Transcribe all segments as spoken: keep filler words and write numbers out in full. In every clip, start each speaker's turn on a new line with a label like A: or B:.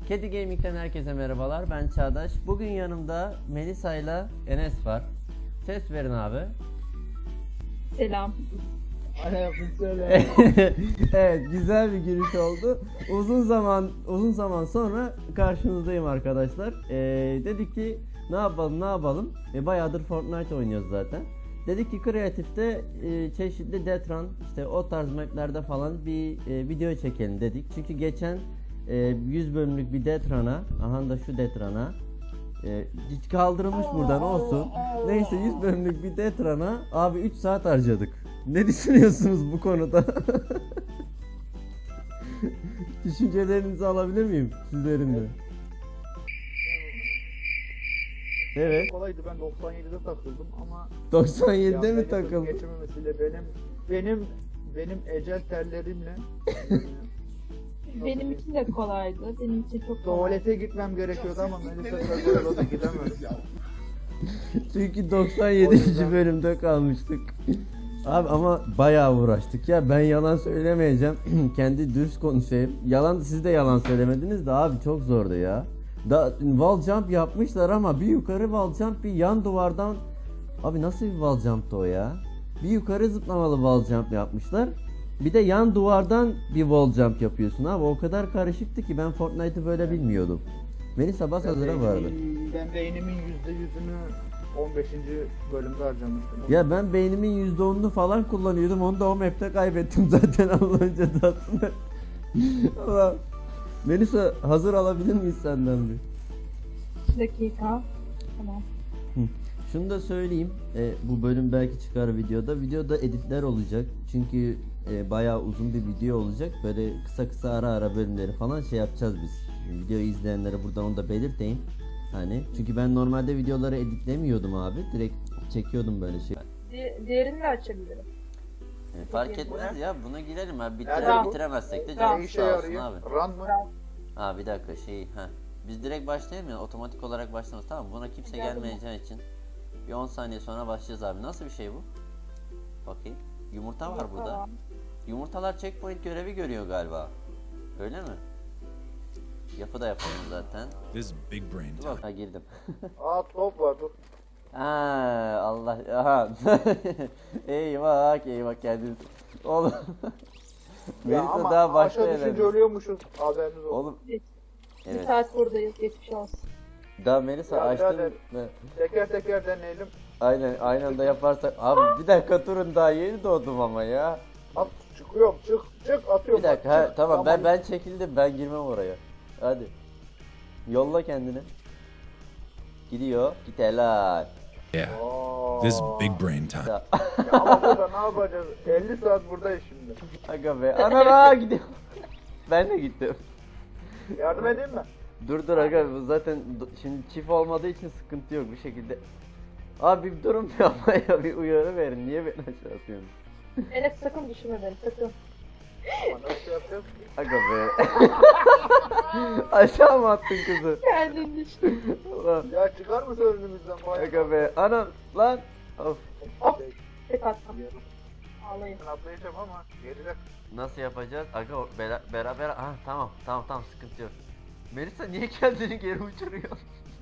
A: Kedi Gaming'den herkese merhabalar. Ben Çağdaş. Bugün yanımda Melisa ile Enes var. Ses verin abi.
B: Selam.
A: Evet, güzel bir giriş oldu. Uzun zaman uzun zaman sonra karşınızdayım arkadaşlar. Ee, dedik ki ne yapalım ne yapalım. E, bayağıdır Fortnite oynuyoruz zaten. Dedik ki kreatifte e, çeşitli Detran işte o tarz maplerde falan bir e, video çekelim dedik. Çünkü geçen e, yüz bölümlük bir Detran'a, aha da şu Detran'a e, hiç kaldırılmış buradan olsun. Neyse yüz bölümlük bir Detran'a abi üç saat harcadık. Ne düşünüyorsunuz bu konuda? Düşüncelerinizi alabilir miyim sizlerin de? Evet.
C: Kolaydı, ben doksan yedide takıldım ama
A: doksan yedide mi
C: Yandaki kız
A: takıldın?
C: geçememesiyle benim benim benim ecel terlerimle
B: Benim için de kolaydı. Benim için çok kolaydı.
C: tuvalete gitmem gerekiyordu ama Melisa Sarıoğlu'na gidemedim.
A: Çünkü doksan yedinci bölümde kalmıştık. Abi ama bayağı uğraştık ya, ben yalan söylemeyeceğim. Kendi dürüst konuşayım. Yalan, siz de yalan söylemediniz de abi çok zordu ya. Da wall jump yapmışlar ama bir yukarı wall jump bir yan duvardan. Abi nasıl bir wall jump'tı o ya? Bir yukarı zıplamalı wall jump yapmışlar. Bir de yan duvardan bir wall jump yapıyorsun abi. O kadar karışıktı ki ben Fortnite'ı böyle bilmiyordum. Melisa bas hazıra vardı.
C: Ben beynimin yüzde yüzünü on beşinci bölümde harcamıştım.
A: Ya ben beynimin yüzde onunu falan kullanıyordum. Onu da o map'te kaybettim zaten Allah'ın cezasını. Allah. Melisa hazır alabilir miyiz senden bir?
B: Bir dakika. Tamam.
A: Şunu da söyleyeyim. E, bu bölüm belki çıkar videoda. Videoda editler olacak. Çünkü e, bayağı uzun bir video olacak. Böyle kısa kısa ara ara bölümleri falan şey yapacağız biz. Videoyu izleyenlere buradan onu da belirteyim. Hani çünkü ben normalde videoları editlemiyordum abi. Direkt çekiyordum böyle şey.
B: Di diğerini de açabilirim.
A: E, fark etmez ya, buna girelim abi.
C: Nerede
A: Bitire,
C: bu?
A: bitiremezsek de
B: Tamam.
A: canımız
C: Ne işe
A: sağ olsun
C: yarıyor?
A: abi.
C: Run mı?
A: Ha bir dakika şey ha. Biz direkt başlayalım ya, otomatik olarak başlamaz, tamam mı? Buna kimse
B: Geldim.
A: gelmeyeceği için bir on saniye sonra başlayacağız abi. Nasıl bir şey bu? Bakayım. Yumurta var burada.
B: Tamam.
A: Yumurtalar checkpoint görevi görüyor galiba. Öyle mi? Yapı da yapalım zaten.
D: This is big brain
A: Dur
D: time.
A: bak, ha girdim.
C: Aa, top var, dur.
A: Ha Allah, aha. eyvah eyvah kendiniz. Oğlum.
C: Ya
A: Melisa
C: ama
A: daha
C: aşağı
A: başlayalım.
C: düşünce ölüyormuşuz, haberiniz olsun.
A: Oğlum
B: Bir
A: evet.
B: saat buradayız. Geçmiş olsun.
A: Daha Melisa
C: Ya
A: açtım.
C: birader.
A: Ne?
C: Teker teker deneyelim.
A: Aynen aynı anda yaparsak. Abi bir dakika durun, daha yeni doğdum ama ya.
C: At, çıkıyorum, çık çık atıyorum.
A: Bir dakika
C: bak,
A: ha,
C: çık.
A: tamam ben ben çekildim, ben girmem oraya. Hadi. Yolla kendini. Gidiyor. Git helal.
D: Yeah,
C: Aa.
D: this is big brain time.
A: Ya,
C: Ya ama burada ne yapacağız? elli saat buradayız şimdi.
A: Aga be. Ana gidiyor. Ben de gittim.
C: Yardım edeyim mi?
A: Dur dur aga, bu zaten do- şimdi çift olmadığı için sıkıntı yok bir şekilde. Abi bir durun bir ama ya, bir uyarı verin. Niye beni aşağı atıyorsunuz?
B: Enes sakın düşürme beni. Sakın.
C: Ama nasıl yapacağız?
A: Aga be. Aşağı mı attın kızı?
B: Kendin düştün.
A: Ulan.
C: Ya çıkar mısın önümüzden bayağı?
A: Aga be. Anam lan. Of.
B: Hop. Tek attım. Ağlayın.
C: Ben atlayacağım ama geride.
A: Nasıl yapacağız? Aga o bera- beraber. Ah tamam tamam tamam, sıkıntı yok. Melisa niye kendini geri uçuruyor?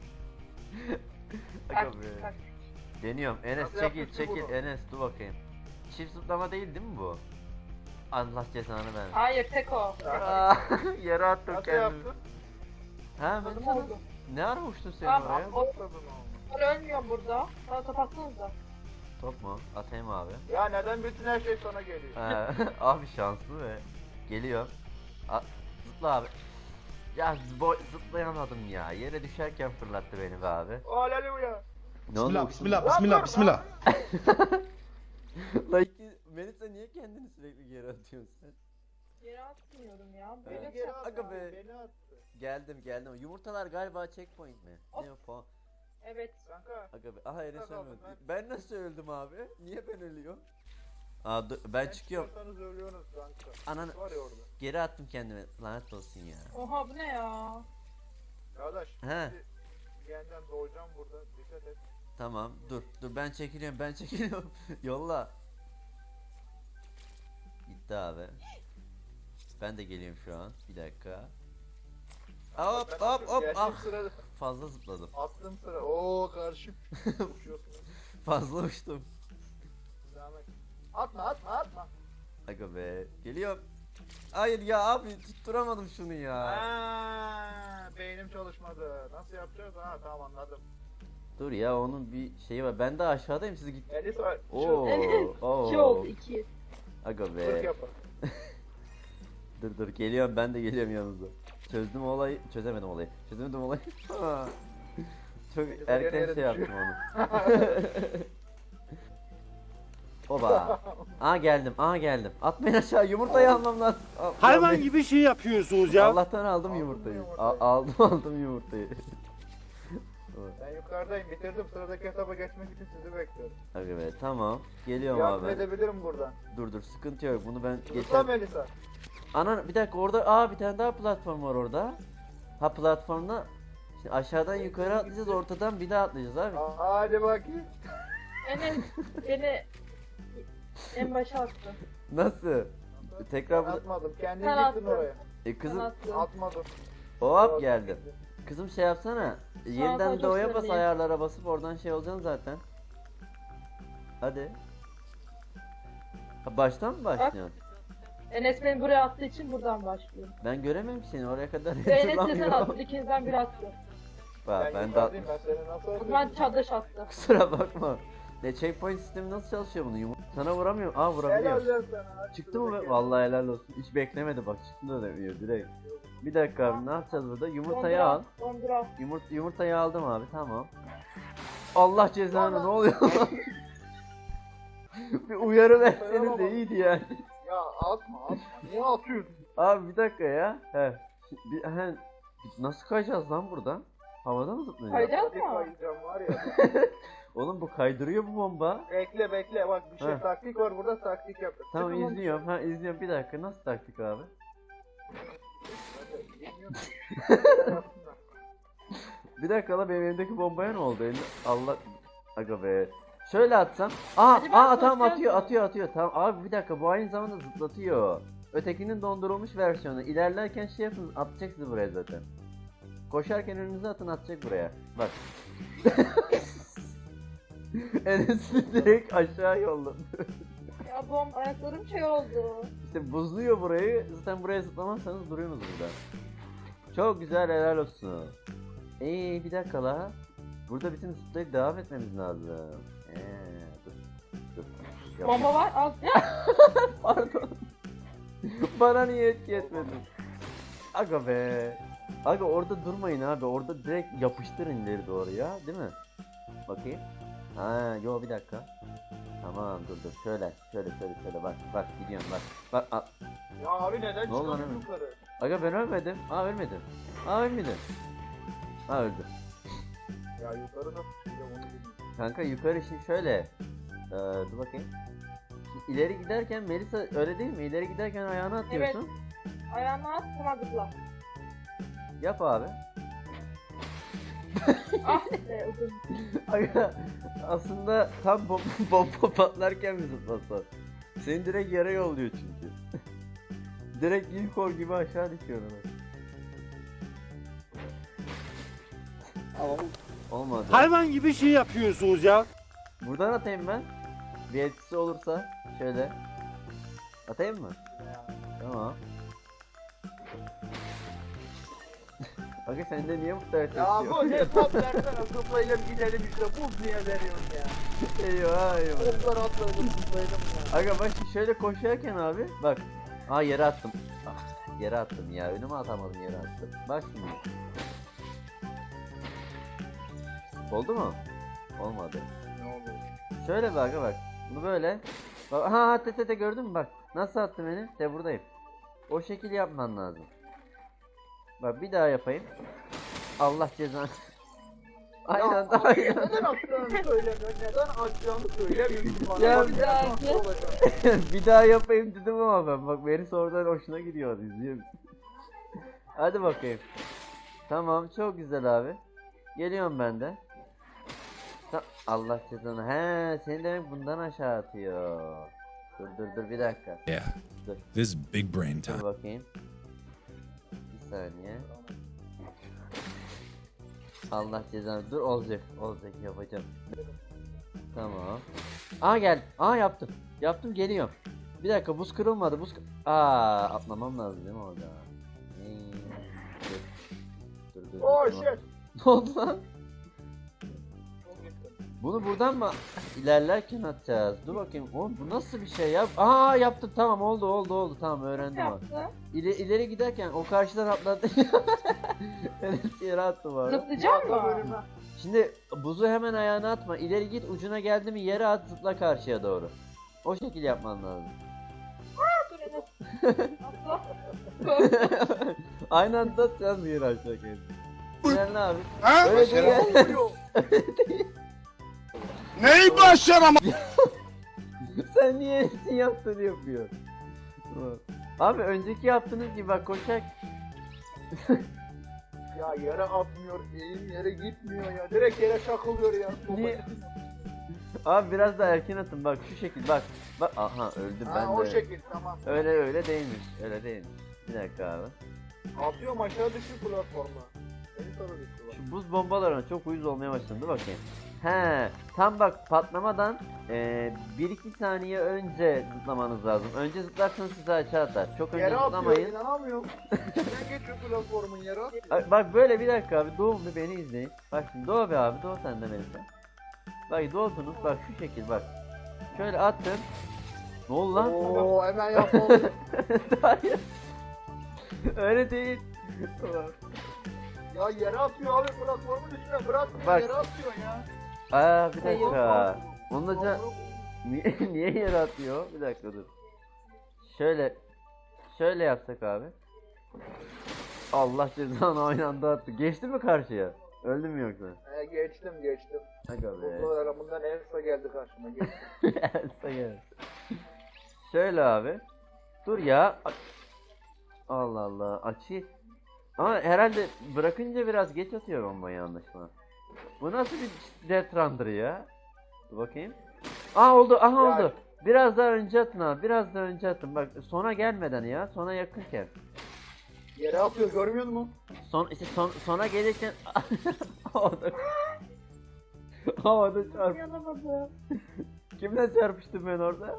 A: Aga
B: Bak,
A: be.
B: bak.
A: Deniyorum. Enes
C: Nasıl
A: çekil
C: yaptık ki
A: çekil
C: bunu?
A: Enes dur bakayım. Çift zıplama değil değil mi bu? Allah cezanı versin.
B: Hayır tek o.
A: Aa, yere attım
C: Nasıl
A: kendimi.
C: yaptın?
A: Ha
B: Nasıl
A: Melisa
B: oldu?
A: ne ara uçtun sen
B: Tamam,
A: oraya?
B: o-
C: Atladın oğlum.
B: Ben ölmüyorum burada. Bana kapatsanız da.
A: Top mu? Atayım abi.
C: Ya neden bütün her şey sana geliyor?
A: Ha, abi şanslı ve geliyor. A- zıpla abi. Ya boy zıplayamadım ya. Yere düşerken fırlattı beni be abi.
C: Aleluya.
A: Ne oldu?
D: Bismillah,
A: uçtun
D: bismillah,
A: mu?
D: bismillah, bismillah.
A: Lan iki- Melisa niye kendini sürekli geri atıyorsun sen?
B: Geri atmıyorum ya.
C: Beni
B: Böyle
C: geri
B: çok-
C: attı.
A: Aga be.
C: Beni attı.
A: Geldim geldim. Yumurtalar galiba checkpoint mi? Ne o puan?
B: Evet.
C: Kanka.
A: Aga be. Aha Enes
C: Kazandım
A: ölmedi.
C: ben.
A: Ben nasıl öldüm abi? Niye ben ölüyorum? Aa dur, ben çıkıyorum.
C: çıkarsanız ölüyorsunuz kanka.
A: Ananı
C: Var ya orada.
A: geri attım kendime. Lanet olsun ya.
B: Oha bu ne ya?
C: Kardeş.
A: He.
C: şimdi Yeniden doğacağım burada. Dikkat et.
A: Tamam dur dur, ben çekiliyorum ben çekiliyorum. Yolla. Gitti abi. Ben de geliyorum şu an. Bir dakika. Hop
C: Ben
A: hop hop.
C: gerçek
A: Ah.
C: sırada
A: Fazla zıpladım.
C: attım sıra. Oo karşım. Uçuyorsun.
A: Fazla uçtum.
C: Devam et. Atma atma atma.
A: Aga be. Geliyorum. Hayır ya abi tutturamadım şunu ya.
C: Aa, beynim çalışmadı. Nasıl yapacağız? Ha tamam anladım.
A: Dur ya onun bir şeyi var. Ben de aşağıdayım siz git.
C: Elisa
A: Oo. Oo.
B: İki oldu iki.
A: Aga
C: Fırk
A: be.
C: yapar.
A: Dur dur geliyorum ben de geliyorum yanınıza. Çözdüm olayı. Çözemedim olayı. Çözemedim olayı. Çok
C: Elisa
A: erken
C: yere
A: şey
C: yere
A: yaptım onu. Oba. Aa geldim. Aa geldim. Atmayın aşağı yumurtayı almam lazım. Al-
E: Hayvan
A: almayın.
E: gibi şey yapıyorsunuz ya.
A: Allah'tan aldım
C: Aldın mı
A: yumurtayı.
C: yumurtayı?
A: A- aldım aldım yumurtayı.
C: Ben yukarıdayım. Bitirdim. Sıradaki hesaba geçmek için sizi bekliyorum.
A: Aga be tamam. Geliyorum
C: Yardım
A: abi.
C: edebilirim buradan.
A: Dur dur sıkıntı yok. Bunu ben
C: Lütfen
A: geçen...
C: Melisa.
A: Ana bir dakika orada aa bir tane daha platform var orada. Ha platformda şimdi aşağıdan yukarı atlayacağız ortadan bir daha atlayacağız abi.
C: Aa, Hadi bakayım.
B: Enes beni en başa attı.
A: Nasıl? Tekrar
C: Ben
A: bu...
C: atmadım. Kendin
B: Sen
C: gittin
B: attın.
C: oraya.
A: E
B: Ben
A: kızım
B: attım.
C: Atmadım.
A: hop geldim. Kızım şey yapsana. Yeniden
B: sadece
A: doğuya bas
B: söyleyeyim.
A: ayarlara basıp oradan şey olacaksın zaten. Hadi. Ha, baştan mı başlıyorsun?
B: Enes beni buraya attığı için buradan başlıyorum.
A: Ben göremem seni oraya kadar
B: Ve Enes de sen
A: hatırlamıyorum.
B: attın. İkinizden biri attı.
A: Bak
C: Ben,
A: ben de
C: yukarıdayım. Ben seni nasıl
B: O
C: atayım?
B: zaman çadraş attı.
A: kusura bakma. Ne checkpoint sistemi nasıl çalışıyor bunu? Yumur- Sana vuramıyorum. Aa vurabiliyor.
C: Helal lan sana.
A: Çıktı mı be? Vallahi helal olsun. Hiç beklemedi bak çıktı da demiyor direkt. Bir dakika abi ne yapacağız burada? Yumurtayı al.
B: Dondura.
A: Yumurt yumurtayı aldım abi tamam. Allah cezanı ne oluyor lan? Bir uyarı verseniz de iyiydi yani.
C: Ya atma atma. Niye atıyorsun?
A: Abi bir dakika ya. He. Bir, he. Nasıl kayacağız lan buradan? Havada mı zıplayacağız?
B: Kayacağız
C: Hadi
B: mı?
C: kayacağım var ya.
A: Oğlum bu kaydırıyor bu bomba.
C: Bekle bekle bak bir şey
A: Heh.
C: taktik var burada taktik yap.
A: Tamam
C: Çıkın
A: izliyorum. Ha izliyorum bir dakika. Nasıl taktik abi?
C: lan.
A: Bir dakika la benim elimdeki bombaya ne oldu? Elim... Allah aga be. Şöyle atsam. Aa,
B: Hadi ben
A: aa tamam
B: koşacağım
A: atıyor
B: mı?
A: atıyor atıyor. Tamam abi bir dakika bu aynı zamanda zıplatıyor. Ötekinin dondurulmuş versiyonu. İlerlerken şey yapın atacak sizi buraya zaten. Koşarken önünüze atın atacak buraya. Bak. Enes'i direkt aşağı yolladı.
B: Ya bom ayaklarım şey oldu.
A: İşte buzluyor burayı. Zaten buraya zıplamazsanız duruyorsunuz burada. Çok güzel helal olsun. Eee bir dakika la. Burada bütün zıplayıp devam etmemiz lazım. Eee dur. Dur. Yap.
B: Bomba var al.
A: Pardon. Bana niye etki etmedin? Aga be. Aga orada durmayın abi. Orada direkt yapıştırın ileri doğru ya. Değil mi? Bakayım. Ha yo bir dakika. Tamam dur dur. Şöyle şöyle şöyle şöyle bak bak gidiyorum bak. Bak a-
C: Ya abi neden
A: Ne oldu lan
C: çıkıyorsun
A: hemen?
C: yukarı?
A: Aga ben ölmedim. Aa ölmedim. Aa ölmedim. Aa öldüm.
C: Ya yukarı nasıl çıkacağım onu bilmiyorum.
A: Kanka yukarı şimdi şöyle. Ee, dur bakayım. Şimdi ileri giderken Melisa öyle değil mi? İleri giderken ayağını atıyorsun.
B: Ayağını at sonra zıpla.
A: Yap abi.
B: Ah be uzun.
A: Aga aslında tam bomba, bomba patlarken mi zıplasan? Seni direkt yere yolluyor çünkü. Direkt ilk or gibi aşağı düşüyor ona. Olmadı.
E: Hayvan gibi şey yapıyorsunuz ya.
A: Buradan atayım ben. Bir etkisi olursa şöyle. Atayım mı? Tamam. Aga sende niye bu kadar
C: Ya
A: ses
C: bu
A: yok?
C: ne top versene zıplayalım gidelim işte buz niye veriyorsun ya?
A: Eyvah eyvah.
C: Toplar atlayalım zıplayalım ya.
A: Aga bak şimdi şöyle koşarken abi bak. Aa yere attım. Ah, yere attım ya. Önüme atamadım yere attım. Bak şimdi. Oldu mu? Olmadı.
C: Ne oldu?
A: Şöyle bak aga bak. Bunu böyle. Bak, ha ha te te te gördün mü bak. Nasıl attım beni? De buradayım. O şekil yapman lazım. Bak bir daha yapayım. Allah cezanı. Aynen
C: Ya abi
A: aynen.
C: neden attığını söylemiyorsun? Neden atacağını söylemiyorsun bana?
A: Ya
C: Bak,
B: bir
C: ben
B: daha
C: nasıl
B: ki.
C: olacak?
A: Bir daha yapayım dedim ama ben. Bak beni sonradan hoşuna gidiyor. İzliyor musun? Hadi bakayım. Tamam çok güzel abi. Geliyorum ben de. Ta- Allah cezanı. He, seni demek bundan aşağı atıyor. Dur dur dur bir dakika.
D: Yeah.
A: Dur.
D: This is big brain
A: Dur
D: time.
A: bakayım. Bir saniye. Allah cezanı. Dur olacak. Olacak yapacağım. Tamam. Aa gel. Aa yaptım. Yaptım geliyorum. Bir dakika buz kırılmadı. Buz kır... Aa atlamam lazım değil mi orada? Hmm, Dur. Dur dur.
C: Oh
A: dur.
C: shit.
A: Ne oldu lan?
C: Çok gitti.
A: Bunu buradan mı ilerlerken atacağız? Dur bakayım. Oğlum bu nasıl bir şey ya? Aa yaptım tamam oldu oldu oldu tamam
B: Ne
A: öğrendim abi.
B: yaptı?
A: İle, ileri giderken o karşıdan atladı. Evet yere attım abi.
B: Zıplayacak mı?
C: Bölümü.
A: Şimdi buzu hemen ayağına atma. İleri git ucuna geldi mi yere at zıpla karşıya doğru. O şekil yapman lazım.
B: Dur Enes. Atla.
A: Aynı anda atacağız mı yere aşağı kendini? Sen ne abi?
E: Ha?
A: Öyle değil.
C: Vuruyor.
E: Neyi başaram?
A: Sen niye hepsini yaptığını yapıyor? Abi önceki yaptığınız gibi bak koşak.
C: Ya yere atmıyor, eğim yere gitmiyor ya. Direkt yere çakılıyor ya.
A: Niye? Abi biraz daha erken atın bak şu şekil bak. Bak aha öldüm ben
C: Ha, o
A: de.
C: şekil tamam.
A: Öyle öyle değilmiş. Öyle değilmiş. Bir dakika abi.
C: Atıyorum aşağı düşüyor platforma. Beni sarı düştü bak.
A: Şu buz bombalarına çok uyuz olmaya başladı. Dur bakayım. He, tam bak patlamadan e, bir iki saniye önce zıplamanız lazım. Önce zıplarsanız sizi aşağı atar. Çok önce
C: Yere atıyor,
A: zıplamayın.
C: inanamıyorum. İçinden geçiyor platformun yere atıyor.
A: Ay, bak böyle bir dakika abi Doğu bir beni izleyin. Bak şimdi Doğu be abi Doğu sen de Melisa. Bak doğdunuz bak şu şekil bak. Şöyle attım. Ne oldu lan?
C: Oo hemen yapalım.
A: Hayır. Öyle değil.
C: Ya yere atıyor abi platformun üstüne bırakmıyor
A: Bak.
C: yere atıyor ya.
A: Aa bir dakika. Onunla ca-
C: Yavrum,
A: niye, niye yere atıyor? Bir dakika dur. Şöyle şöyle yapsak abi. Allah cezanı aynı anda attı. Geçti mi karşıya? Öldü mü yoksa?
C: He, geçtim geçtim.
A: Aga be.
C: Buzlu aramından Elsa geldi karşıma geçtim.
A: Elsa gel. Şöyle abi. Dur ya. A- Allah Allah. Açı. Ama herhalde bırakınca biraz geç atıyor bombayı anlaşılan. Bu nasıl bir Death Runner ya? Dur bakayım. Aa oldu. Aha
C: Ya-
A: oldu. Biraz daha önce atın abi. Biraz daha önce atın. Bak sona gelmeden ya. Sona yakınken.
C: Yere atıyor görmüyor musun?
A: Son işte son, sona gelirken havada havada çarp.
B: Yanamadım.
A: Kimle çarpıştım ben orada?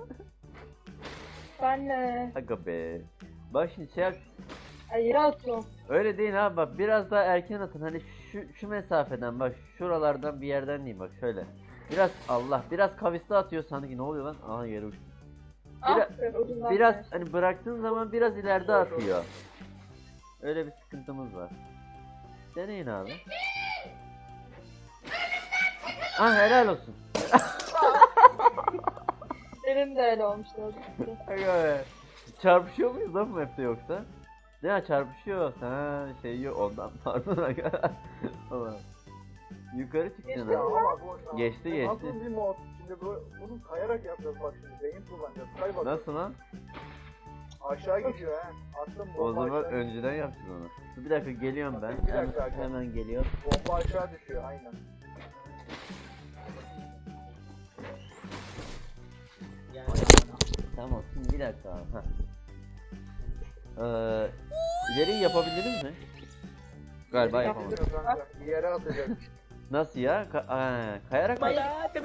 B: Benle.
A: Aga be. Bak şimdi şey yap.
B: Ay yere atıyorum.
A: Öyle değil abi bak biraz daha erken atın hani şu şu mesafeden bak şuralardan bir yerden diyeyim bak şöyle. Biraz Allah biraz kavisli atıyor sanki ne oluyor lan? Aha yere uçtu.
B: Ah,
A: Biraz-
B: ben ucundan
A: Biraz
B: geldim.
A: hani bıraktığın zaman biraz ileride atıyor. Öyle bir sıkıntımız var. Deneyin abi. Ah helal olsun.
B: Benim de öyle olmuştu.
A: Aga be. Çarpışıyor muyuz lan bu map'te yoksa? Ne ya çarpışıyor. Ha şey yok ondan pardon aga. Tamam. Yukarı çıktın
C: Ya
A: ha.
C: ama bu
A: Geçti,
C: bu
A: geçti.
C: Nasıl bir mod? Şimdi bu, bunu kayarak yapacağız bak şimdi. Beyin kullanacağız. Kay bak.
A: Nasıl lan?
C: Aşağı gidiyor ha. Attım
A: O
C: bomba
A: zaman
C: aşağı.
A: önceden yapsın onu. Dur bir dakika geliyorum ben.
C: Bir dakika,
A: Hemen,
C: dakika.
A: hemen geliyorum.
C: Bomba aşağı düşüyor aynen.
A: Tamam şimdi bir dakika abi. Heh. Ee, ileriyi yapabildiniz mi? Galiba yapamadım.
C: Yapıyor kanka. Bir yere atacak.
A: Nasıl ya? Ka- Aa, kayarak mı?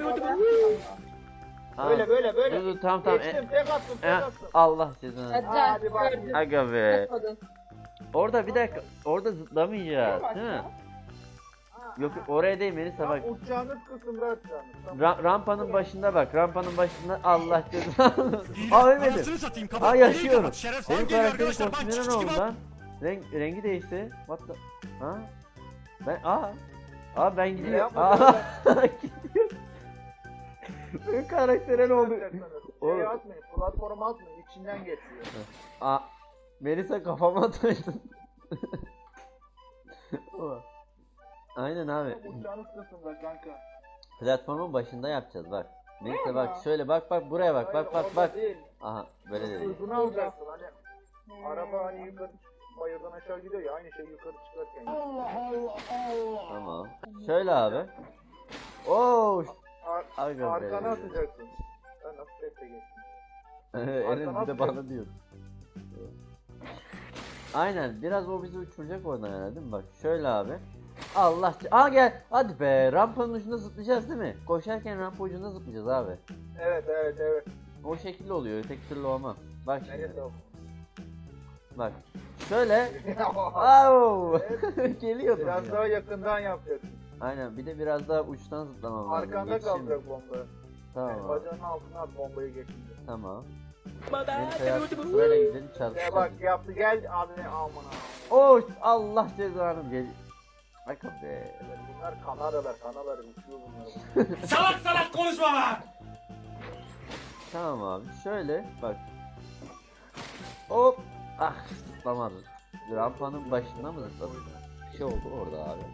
A: Aa,
C: Böyle böyle
A: Dur
C: böyle.
A: dur tamam tamam.
C: Geçtim
A: E-
C: tek attım tek
A: e-
C: attım.
A: Allah cezanı.
B: Hadi
C: Hadi
B: can
C: bak.
B: gördüm.
A: Aga be.
B: Atmadın.
A: Orada bir dakika. Orada zıplamayacağız değil mi? Yok yok, oraya değil Melisa bak.
C: Tam uçacağınız kısımda atacağınız. Tamam.
A: Ra- rampanın başında bak. Rampanın başında Allah cezanı. Aa ölmedim.
E: Anasını satayım kapat.
A: Aa
E: Orayı
A: yaşıyorum.
E: kapat, şeref.
A: Benim
E: Lan geliyor
A: karakterin
E: arkadaşlar, bak,
A: kostümüne
E: çık,
A: ne
E: çık,
A: oldu
E: bak.
A: lan? Renk, rengi değişti. What the... Ha? Ben aa. Aa ben gidiyorum.
C: yapma
A: Aa. Gidiyor. Benim karaktere ne oldu? Oğlum.
C: Şey atmayın, platforma atmayın, içinden geçiyor.
A: Aa. Melisa kafama ataydın. Aynen abi.
C: Tam uçacağınız kısımda kanka.
A: Platformun başında yapacağız bak. Neyse
B: Nerede?
A: bak şöyle bak bak buraya bak bak
C: Hayır,
A: bak
C: orada
A: bak.
C: Değil.
A: Aha böyle dedi.
C: Hızını alacaksın hani. Araba hani yukarı bayırdan aşağı gidiyor ya aynı şey yukarı çıkarken.
A: Tamam. Şöyle abi. Oo.
C: Ar
A: Aga be.
C: arkana atacaksın. Ben nasıl tepte geçtim.
A: Enes bir de bana diyor. Aynen biraz o bizi uçuracak oradan herhalde değil mi? Bak şöyle abi. Allah. Aa gel. Hadi be. Rampanın ucunda zıplayacağız değil mi? Koşarken rampa ucunda zıplayacağız abi.
C: Evet evet evet.
A: O şekilde oluyor. Öteki türlü olmaz. Bak şimdi.
C: Neresi o?
A: Bak. Şöyle. Au.
C: Evet.
A: Geliyordum
C: Biraz
A: ya.
C: daha yakından yapacaksın.
A: Aynen. Bir de biraz daha uçtan zıplamam lazım.
C: Arkanda
A: Yetişeyim.
C: kalacak bomba.
A: Tamam.
C: Yani
A: abi.
C: bacağının altına at bombayı geçince.
A: Tamam. Neyse ya, sırayla gidelim
C: Ya
A: çalışalım.
C: bak yaptı gel abi aman aman.
A: Oh Allah cezanı gel. Bak be.
C: Evet, bunlar Kanadalar, Kanadalar uçuyor bunlar.
E: Salak salak konuşma lan!
A: Tamam abi şöyle bak. Hop. Ah zıplamadım. Rampanın başında mı zıpladım? Bir şey oldu orada abi.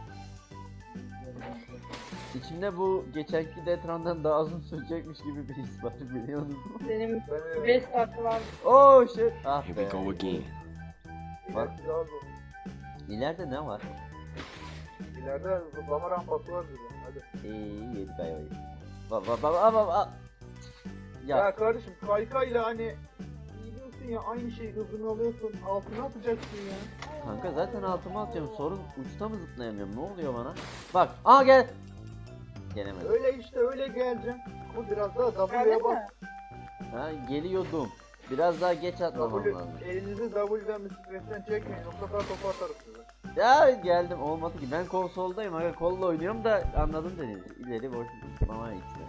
A: İçimde bu geçenki Detran'dan daha uzun sürecekmiş gibi bir his var biliyor musun?
B: Benim
C: Ben
B: beş saati var.
A: Oh shit. Ah
D: Here
A: be.
D: we go again.
C: İlerisi daha zor.
A: İleride ne var?
C: İleride zıplama rampası var dedi. Hadi.
A: İyi yedik ayvayı. Ba ba ba ba ba ba.
C: Ya,
A: Ya
C: kardeşim kaykayla hani gidiyorsun ya aynı şeyi hızını alıyorsun altına atacaksın ya.
A: kanka zaten altıma atıyorum. Sorun uçta mı zıplayamıyorum? Ne oluyor bana? Bak. Aa gel. Gelemedim.
C: Öyle işte öyle geleceksin. Ama biraz daha W'ye
B: Öyle
C: bas.
B: mi?
A: Ha geliyordum. Biraz daha geç atlamam
C: W,
A: lazım.
C: elinizi W'den bisikletten çekmeyin. O sefer topu atarız size.
A: Ya geldim olmadı ki. Ben konsoldayım aga kolla oynuyorum da anladım dediğiniz. İleri boş zıplamaya gitti.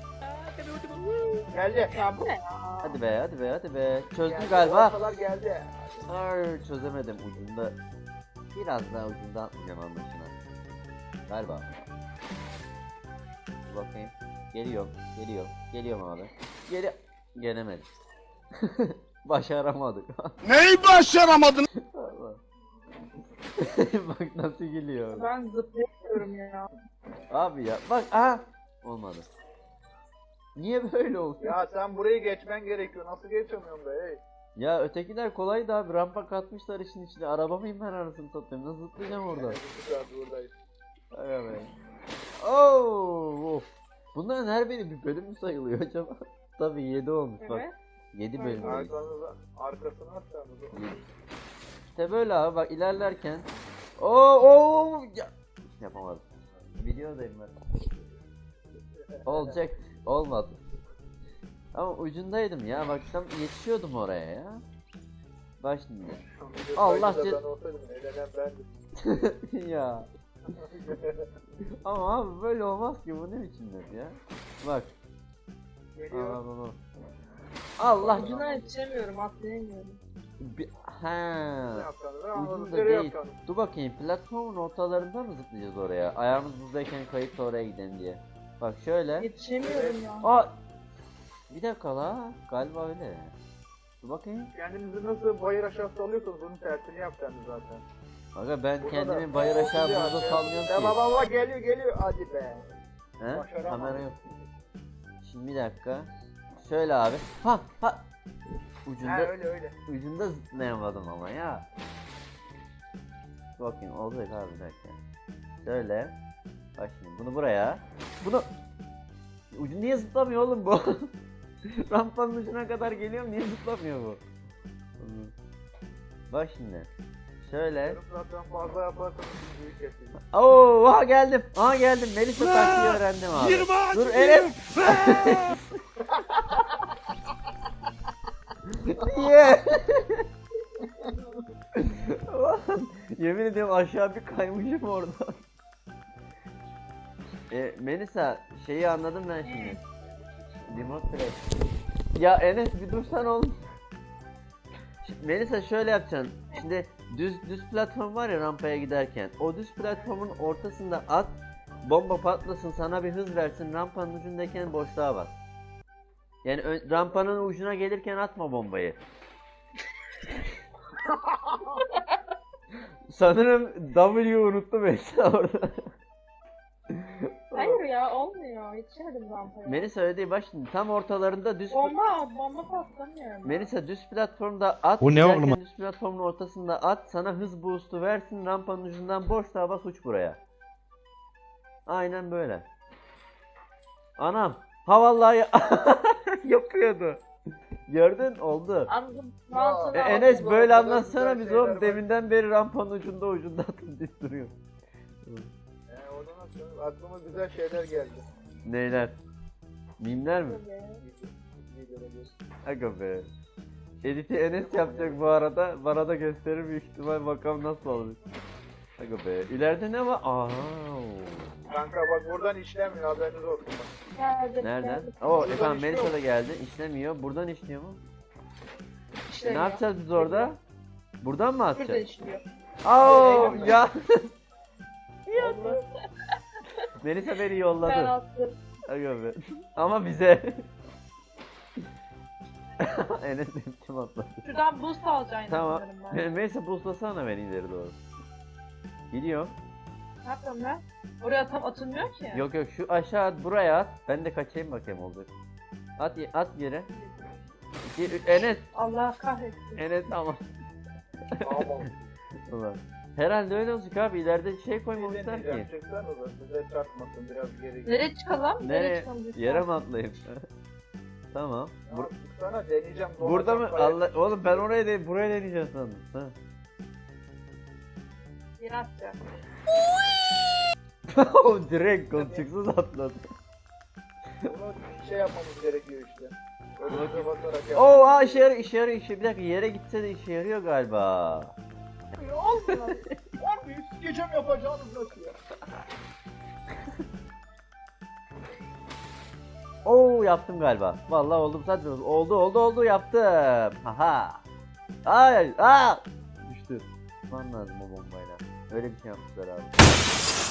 C: Geldi.
B: Ya bu ne ya?
A: Hadi be hadi be hadi be. Çözdüm
C: Geldi,
A: galiba.
C: ortalar geldi.
A: Ay çözemedim ucunda. Biraz daha ucunda atmayacağım anlaşılan. Galiba. Dur bakayım. Geliyorum, geliyorum, geliyorum abi. Geri... Gelemedim. Başaramadık.
E: Neyi başaramadın?
A: Allah. Bak nasıl geliyor.
B: Ben zıplayamıyorum ya.
A: Abi ya bak aha. Olmadı. Niye böyle oldu? Ya,
C: Ya sen burayı geçmen gerekiyor. Nasıl geçemiyorsun be? Hey.
A: ya ötekiler kolaydı abi. Rampa katmışlar işin içine. Araba mıyım ben arasını satayım? Nasıl zıplayacağım orada?
C: Bir saat buradayız.
A: Aga be. Oo, of. Bunların her biri bir bölüm mü sayılıyor acaba? Tabii yedi olmuş bak.
B: Evet.
A: yedi bölüm.
C: Arkanıza, arkasına atsanız.
A: İşte böyle abi bak ilerlerken. Oo oo ya. Yapamadım. Videodayım ben. Olacak. Olmadı. Ama ucundaydım ya bak tam yetişiyordum oraya ya. Bak şimdi. Allah
C: ce...
A: ce-
C: Ben olsaydım elenen bendim.
A: Ya. Ama abi böyle olmaz ki bu ne biçim laf ya. Bak.
C: Geliyor.
A: Aa, bak, bak. Allah
B: Ucuna yetişemiyorum, atlayamıyorum.
A: Bir,
C: Ne
A: ha.
C: yapacaksınız? Anladım.
A: Ucunda
C: Nereye
A: değil.
C: yapacaksınız?
A: Dur bakayım platformun ortalarında mı zıplayacağız oraya? Ayağımız buzdayken kayıp da oraya gidelim diye. Bak şöyle.
B: Yetişemiyorum ya.
A: Aa. Bir dakika la. Galiba öyle. Dur bakayım.
C: Kendinizi nasıl bayır aşağısı alıyorsanız onun tersini yapacaksınız zaten.
A: Aga ben
C: Burada
A: kendimi
C: da-
A: bayır aşağı
C: Ya,
A: burada
C: ya.
A: salmıyorum
C: Ya
A: ki.
C: baba baba geliyor geliyor hadi be.
A: He?
C: başaramadım.
A: Kamera yok. Şimdi bir dakika. Şöyle abi. Ha ha. Ucunda
C: Ha öyle öyle.
A: ucunda zıplayamadım ama ya. Dur bakayım olacak abi bir dakika. Şöyle. Bak şimdi bunu buraya. Bunu ucu niye zıplamıyor oğlum bu? Rampanın ucuna kadar geliyorum niye zıplamıyor bu? Bak şimdi. Şöyle.
C: Yarım saatten fazla yaparsanız büyük kesin.
A: Oo, aha geldim. Aha geldim. Melisa taktiği öğrendim abi.
E: Yirmi ağaç
A: Dur
E: yedim.
A: Enes. Yeah. Yemin ediyorum aşağı bir kaymışım orada. E, Melisa şeyi anladım ben şimdi. Remote play. Ya Enes bir dursan oğlum. Şimdi Melisa şöyle yapacaksın. Şimdi düz düz platform var ya rampaya giderken. O düz platformun ortasında at. Bomba patlasın sana bir hız versin. Rampanın ucundayken boşluğa bas. Yani ö- rampanın ucuna gelirken atma bombayı. Sanırım W'yu unuttum Melisa orada.
B: Hayır ya, olmuyor. Yetişemedim rampaya.
A: Melisa öyle değil bak şimdi tam ortalarında düz
B: Bomba, bomba patlamıyor.
A: Melisa düz platformda at.
E: Bu ne
A: giderken
E: oğlum?
A: Düz platformun ortasında at. Sana hız boost'u versin. Rampanın ucundan boşluğa bas uç buraya. Aynen böyle. Anam. Ha vallahi yapıyordu. Gördün oldu.
B: Anladım.
A: E,
B: Mantığını
A: Enes
C: bu
A: böyle
C: kadar
A: anlatsana
C: güzel
A: biz
C: şeyler
A: oğlum
C: var.
A: deminden beri rampanın ucunda ucunda atıp duruyor.
C: güzel şeyler geldi.
A: Neyler? Mimler mi?
B: Tabii.
C: Videoda göz.
A: Aga be. Edit'i Enes yapacak bu arada. Bana da gösterir büyük ihtimal, bakalım nasıl olur. Aga be. İleride ne var? Aa.
C: Kanka bak buradan işlemiyor, haberiniz olsun bak.
B: Geldim,
A: Nereden?
B: geldim.
A: Oo
C: Buradan
A: efendim
C: işliyor.
A: Melisa da geldi. İşlemiyor. Buradan işliyor mu? E,
B: İşlemiyor.
A: ne yapacağız biz orada? Buradan mı
B: Burada
A: atacağız?
B: işliyor.
A: Aa
C: Eylem
A: ya.
C: Oldu.
A: Melisa beni
B: Ben
A: yolladı.
B: attım.
A: Aga be. Ama bize. Enes benim kim atladı?
B: Şuradan boost alacaksın
A: Tamam.
B: sanırım ben.
A: Melisa boostlasana beni ileri doğru. Gidiyor.
B: Ne yapıyorum ben? Oraya tam atılmıyor ki.
A: Yok yok şu aşağı at, buraya at. Ben de kaçayım bakayım olacak. At ye- at yere. Ge- Enes.
B: Allah kahretsin.
A: Enes ama.
C: Tamam.
A: Ulan. Herhalde öyle olacak abi. İleride şey koymamışlar ki.
C: Çıksanıza size çarpmasın, biraz geri git.
B: Nereye çıkalım?
A: Nereye?
B: çıkalım lütfen?
A: Yere mi atlayayım? Tamam.
C: Ya,
A: Bur-
C: çıksana deneyeceğim.
A: burada mı?
C: dolacak
A: Allah oğlum ben oraya değil, buraya deneyeceğim sandım. Ha.
B: Yere atacağım.
A: O direkt koltuksuz atladı.
C: Bunu şey yapmamız gerekiyor işte. Önümüze basarak yap.
A: Oo aa işe yarıyor, işe yarıyor, işe bir dakika yere gitse de işe yarıyor galiba.
C: Olmuyor. Abi sikeceğim yapacağınız nasıl ya?
A: Oo yaptım galiba. Vallahi oldum zaten. Oldu oldu oldu yaptım. Haha. Ay aa. Düştü. Tutman lazım o bombayla. Öyle bir şey yapmışlar abi.